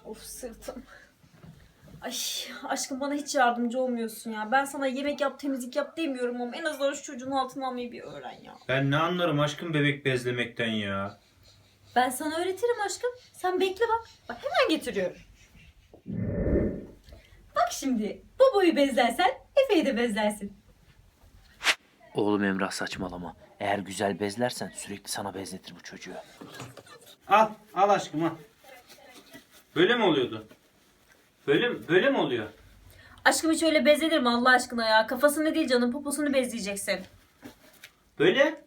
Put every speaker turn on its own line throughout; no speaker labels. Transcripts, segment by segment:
Of sırtım. Ay aşkım bana hiç yardımcı olmuyorsun ya. Ben sana yemek yap, temizlik yap demiyorum ama en azından şu çocuğun altına almayı bir öğren ya.
Ben ne anlarım aşkım bebek bezlemekten ya.
Ben sana öğretirim aşkım. Sen bekle bak. Bak hemen getiriyorum. Bak şimdi babayı bezlersen Efe'yi de bezlersin.
Oğlum Emrah saçmalama. Eğer güzel bezlersen sürekli sana bezletir bu çocuğu.
Al aşkım al. Böyle mi oluyordu? Böyle mi oluyor?
Aşkım hiç öyle bezlenir mi Allah aşkına ya? Kafasını değil canım poposunu bezleyeceksin.
Böyle?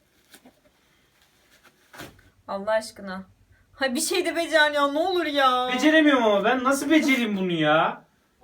Allah aşkına. Hay bir şey de becer ya ne olur ya.
Beceremiyorum ama ben nasıl becereyim bunu ya?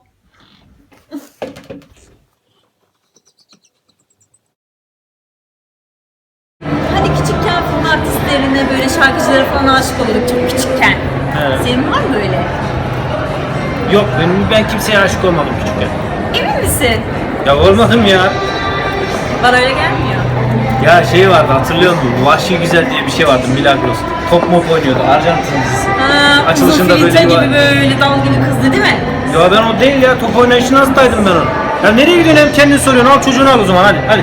Hani küçükken film artistlerine böyle şarkıcılara falan aşık oluyorduk çok küçükken.
Evet.
Senin var mı böyle?
Yok ben kimseye aşık olmadım küçükken.
Emin misin?
Ya olmadım ya.
Bana öyle gelmiyor.
Ya şey vardı hatırlıyor musun? Vahşi Güzel diye bir şey vardı Milagros. Top mop oynuyordu Arjantin dizisi.
Ha,
Açılışında
uzun
böyle
filtre
bir var.
gibi böyle dalgılı kızdı değil mi?
Ya ben o değil ya top oynayışına hastaydım ben onu. Ya nereye gidiyorsun hem kendin soruyorsun al çocuğunu al o zaman hadi.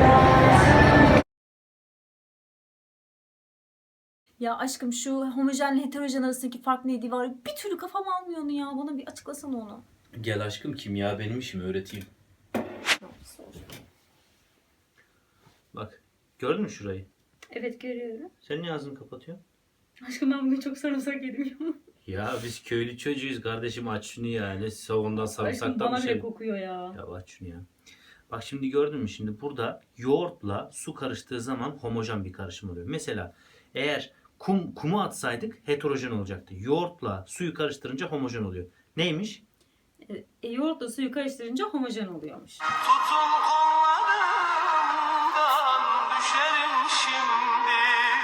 Ya aşkım şu homojenle heterojen arasındaki fark neydi var? Bir türlü kafam almıyor onu ya. Bana bir açıklasana onu.
Gel aşkım kimya benim işim öğreteyim. Bak gördün mü şurayı?
Evet görüyorum.
Sen niye ağzını kapatıyorsun?
Aşkım ben bugün çok sarımsak yedim ya.
Ya biz köylü çocuğuyuz kardeşim aç şunu ya. Ne savundan
Aşkım
sarımsaktan
bana
bir
bile
şey.
kokuyor ya.
Ya aç şunu ya. Bak şimdi gördün mü şimdi burada yoğurtla su karıştığı zaman homojen bir karışım oluyor. Mesela eğer kumu atsaydık heterojen olacaktı. Yoğurtla suyu karıştırınca homojen oluyor. Neymiş?
Yoğurtla suyu karıştırınca homojen oluyormuş.
Tutun kollarımdan düşerim şimdi.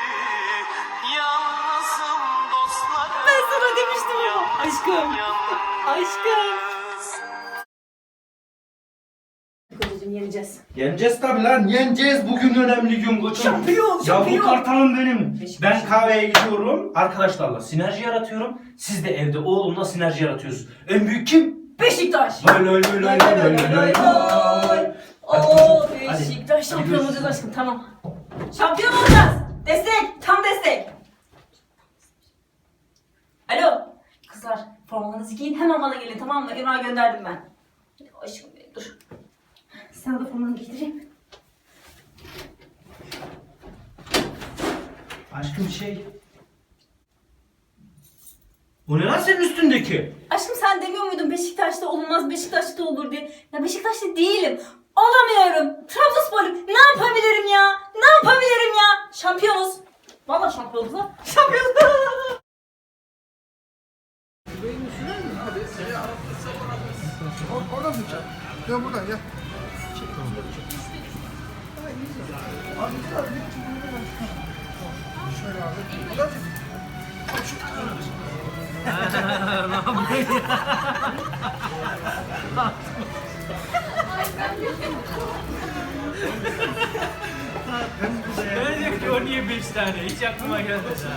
Yalnızım dostlarım.
Ben sana demiştim ama. Aşkım. Aşkım. Kocacığım yeneceğiz.
Yeneceğiz tabi lan yeneceğiz bugün önemli gün koçum.
Şampiyon, şampiyon.
Ya bu kartalım benim.
Beşiktaş.
Ben kahveye gidiyorum arkadaşlarla sinerji yaratıyorum. Siz de evde oğlumla sinerji yaratıyorsunuz. En büyük kim?
Beşiktaş.
Lay lay lay lay lay lay lay lay.
Oo
Hadi.
Beşiktaş şampiyon
görüşürüz.
olacağız aşkım tamam. Şampiyon olacağız. Destek tam destek. Alo. Kızlar formalarınızı giyin hemen bana gelin tamam mı? Emrah gönderdim ben. Aşkım benim dur. Sana da formanı giydireyim.
Aşkım şey. Bu ne lan senin üstündeki?
Aşkım sen demiyor muydun Beşiktaş'ta olmaz Beşiktaş'ta olur diye. Ya Beşiktaş'ta değilim. Olamıyorum. Trabzonspor'um. Ne yapabilirim ya? Ne yapabilirim ya? Şampiyonuz. Vallahi şampiyonuz lan. Şampiyonuz.
Oradan mı çek? Gel buradan gel. Şöyle abi. Buradan çek.
Ben de ki o niye 5 tane hiç aklıma gelmedi.